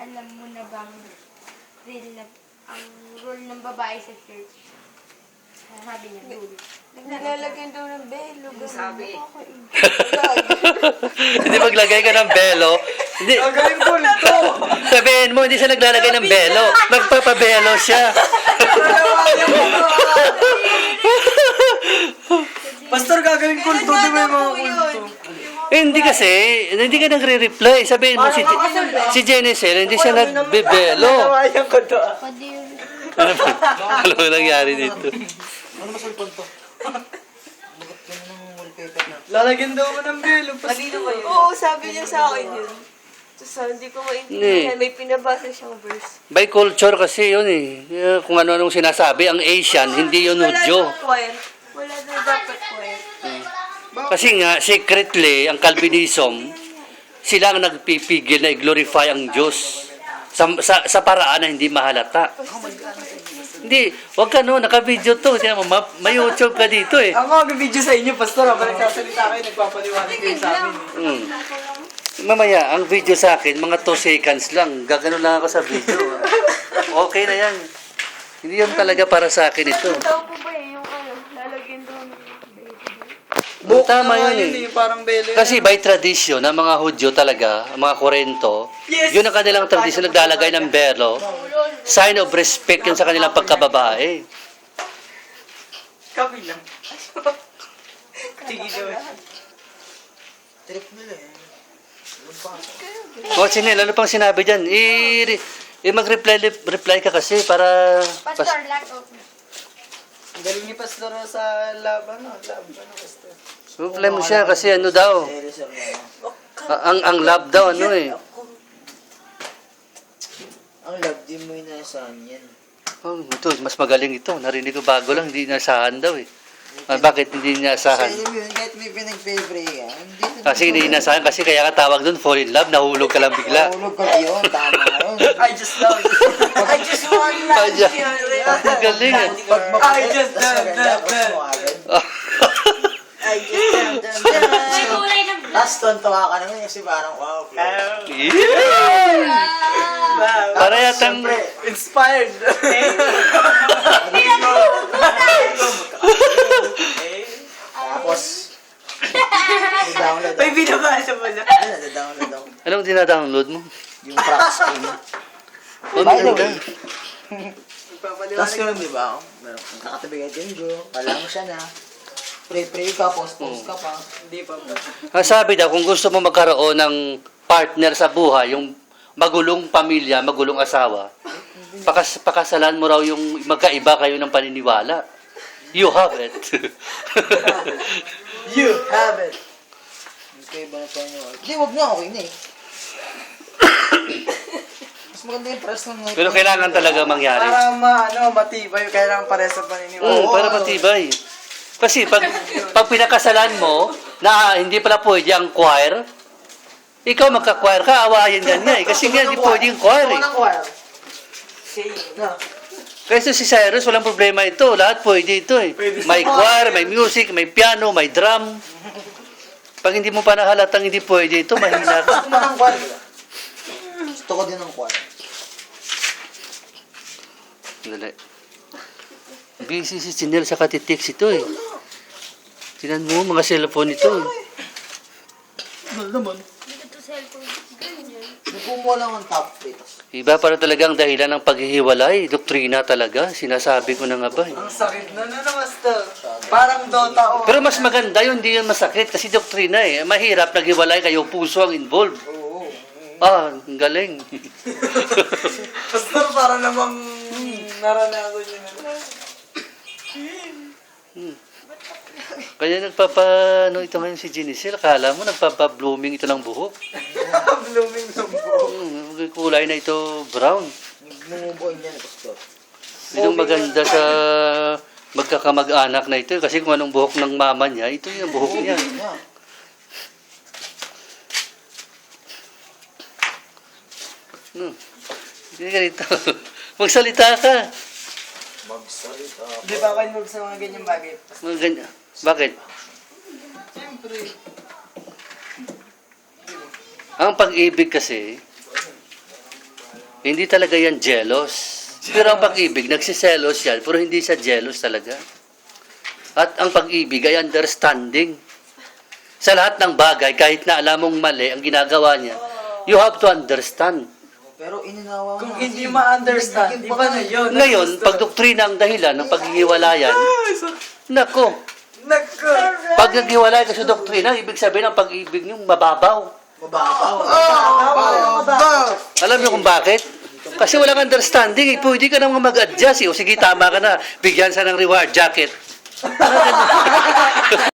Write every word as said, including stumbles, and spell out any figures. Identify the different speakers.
Speaker 1: alam mo na bang rule na, ang rule ng babae sa church? Sabi niya, rule.
Speaker 2: Naglalagyan daw ng belo.
Speaker 3: Sabi.
Speaker 4: Hindi maglagay ka ng belo. Hindi.
Speaker 3: Gagawin ko nito.
Speaker 4: Sabihin mo, hindi siya naglalagay ng belo. Magpapabelo siya.
Speaker 3: Pastor, gagawin ko nito. Di ba yung mga kulto?
Speaker 4: Eh, hindi kasi, hindi ka nagre-reply. Sabihin mo, si, si Jenicel, hindi siya nagbebelo.
Speaker 3: Natawayan ko to.
Speaker 1: Pwede yun.
Speaker 4: Ano ba? Ano ba nangyari dito?
Speaker 3: Ano masulpon to? Lalagyan daw mo ng belo. Kanino ba yun?
Speaker 2: Oo, sabi niya sa akin yun. Tapos ah, hindi ko maintindihan.
Speaker 4: Hindi.
Speaker 2: May pinabasa siyang verse.
Speaker 4: By culture kasi yun eh. Eh, Kung ano-anong sinasabi, ang Asian, hindi yun
Speaker 2: Wala
Speaker 4: Hudyo.
Speaker 2: daw quiet. Wala daw dapat quiet.
Speaker 4: Kasi nga, secretly, ang Calvinism, sila ang nagpipigil na i-glorify ang Diyos sa, sa, sa paraan na hindi mahalata. Hindi, wag ka no, naka-video to. Tiyan mo, ma- may YouTube ka dito eh.
Speaker 3: Ako mag-video sa inyo, Pastor. Habang nagsasalita kayo, nagpapaliwanag kayo sa amin. eh.
Speaker 4: Mm. Mamaya, ang video sa akin, mga two seconds lang. Gagano lang ako sa video. Okay na yan. Hindi yun talaga para sa akin ito.
Speaker 2: Tao po ba eh, yung ano, lalagyan daw ng belo.
Speaker 3: Buhok
Speaker 4: Tama
Speaker 3: na nga
Speaker 4: yun eh.
Speaker 3: Parang belo.
Speaker 4: Kasi by tradition, ng mga Hudyo talaga, ang mga Korento,
Speaker 3: Yes!
Speaker 4: yun ang kanilang tradition, naglalagay ng belo. Sign of respect yun sa kanilang pagkababae.
Speaker 3: Kami lang. Sige daw.
Speaker 5: Trip nila eh.
Speaker 4: O, Chinel, ano pang sinabi dyan? I, i mag-reply reply ka kasi para...
Speaker 1: Pastor, lack of
Speaker 3: Ang galing ni Pastor sa lab, ano, lab, ano, Pastor.
Speaker 4: Reply mo siya kasi ano daw.
Speaker 5: Seryoso na.
Speaker 4: a- Ang, ang love daw, ano eh.
Speaker 5: Ang love, di mo inaasahan yan.
Speaker 4: Oh, ito, mas magaling ito. Narinig ko bago lang, hindi inasahan daw eh. Ah, bakit hindi
Speaker 5: Kasi
Speaker 4: inasahan?
Speaker 5: alam mo yun, kahit may pinag-pray ka, hindi na
Speaker 4: Kasi hindi inasahan, kasi kaya ka tawag doon, fall in love, nahulog ka lang bigla.
Speaker 5: Mahulog ka yun, tama yun.
Speaker 3: I just love you. I just want
Speaker 4: Ay,
Speaker 3: love
Speaker 4: dyan.
Speaker 3: you.
Speaker 4: Ang galing eh.
Speaker 5: Pag
Speaker 3: I
Speaker 5: mapulit,
Speaker 3: just
Speaker 5: tas
Speaker 3: love
Speaker 5: maganda,
Speaker 3: that,
Speaker 5: tapos
Speaker 3: that.
Speaker 5: mo agad.
Speaker 2: I just love them.
Speaker 1: may kulay ng
Speaker 5: Tapos tontuwa ka naman kasi parang wow.
Speaker 4: Yeah!
Speaker 3: Wow.
Speaker 4: Para yatang...
Speaker 5: Siyempre,
Speaker 3: Inspired.
Speaker 5: tapos, download
Speaker 3: May binabasa mo na.
Speaker 5: Ano, download ako.
Speaker 4: Anong dinadownload mo?
Speaker 5: Yung crack screen.
Speaker 4: Oh,
Speaker 5: By the
Speaker 4: maganda.
Speaker 5: way, tapos
Speaker 3: Papaliwanag.
Speaker 5: yun, di ba? Meron kang kakatabi ka dyan, bro. Kala mo siya na. Pray-pray ka, post-post ka pa.
Speaker 3: Hindi pa ba?
Speaker 4: Ang sabi daw, kung gusto mo magkaroon ng partner sa buhay, yung magulong pamilya, magulong asawa, pakas pakasalan mo raw yung magkaiba kayo ng paniniwala. You have it.
Speaker 3: You have it.
Speaker 5: Okay ba na tayo nyo? Hindi, wag na, okay na eh. Mas maganda yung press ng
Speaker 4: Pero kailangan talaga mangyari.
Speaker 3: Para ma, ano, matibay. Kailangan pares sa paniniwala.
Speaker 4: Mm, para matibay. Kasi pag, pag pinakasalan mo, na hindi pala pwede ang choir, ikaw magka-choir ka, awayan ka niya eh. Kasi nga, hindi pwede yung choir eh.
Speaker 5: Anong choir?
Speaker 3: Okay.
Speaker 5: Na.
Speaker 4: Kasi si Cyrus, walang problema ito. Lahat pwede ito eh. May choir, may music, may piano, may drum. Pag hindi mo pa nahalatang hindi pwede ito, mahina ka.
Speaker 5: Gusto mo ng choir? Gusto ko din ng choir.
Speaker 4: Dali. Busy si Chinel sa katitix ito eh. Tinan mo, mga cellphone ito eh.
Speaker 5: Ano naman?
Speaker 1: dito to cellphone. Ganyan.
Speaker 5: Nagkumuha lang ang top three.
Speaker 4: Iba para talagang dahilan ng paghihiwalay. Doktrina talaga. Sinasabi ko na nga ba eh.
Speaker 3: Ang sakit na na na, Master. Parang Dota o.
Speaker 4: Pero mas maganda yun, hindi yun masakit kasi doktrina eh. Mahirap naghiwalay kayo, puso ang involved.
Speaker 5: Oo.
Speaker 4: Ah, ang galing.
Speaker 3: Pastor, para namang naranasan yun.
Speaker 4: Kaya nagpapa, ano ito ngayon si Jenicel, akala mo nagpapa-blooming ito ng buhok.
Speaker 3: Blooming ng buhok.
Speaker 4: Hmm, kulay na ito brown.
Speaker 5: Nagmumubuin yan, Pastor.
Speaker 4: Yun ang maganda sa magkakamag-anak na ito. Kasi kung anong buhok ng mama niya, ito yung buhok niya.
Speaker 5: Yeah.
Speaker 4: Hmm. Hindi ka rito. Magsalita ka.
Speaker 5: Magsalita.
Speaker 3: Di ba kayo sa mga ganyang bagay?
Speaker 4: Mga ganyan. Bakit?
Speaker 3: Siyempre.
Speaker 4: Ang pag-ibig kasi, Hindi talaga yan jealous. Pero ang pag-ibig, nagsiselos yan, pero hindi siya jealous talaga. At ang pag-ibig ay understanding. Sa lahat ng bagay, kahit na alam mong mali ang ginagawa niya, you have to understand.
Speaker 5: Pero ininawa
Speaker 3: Kung
Speaker 5: mo
Speaker 3: hindi
Speaker 5: kasi.
Speaker 3: ma-understand,
Speaker 5: Nagiging
Speaker 3: iba na
Speaker 5: bakal.
Speaker 3: yun.
Speaker 4: Ngayon, pag doktrina ang dahilan ng paghihiwalayan, nako,
Speaker 3: Nagko!
Speaker 4: pag naghiwalay ka sa doktrina, ibig sabihin ang pag-ibig niyo mababaw.
Speaker 5: Mababaw.
Speaker 4: Alam niyo kung bakit? Kasi walang understanding, eh. Pwede ka naman mag-adjust, eh. O sige, tama ka na, bigyan sa ng reward jacket.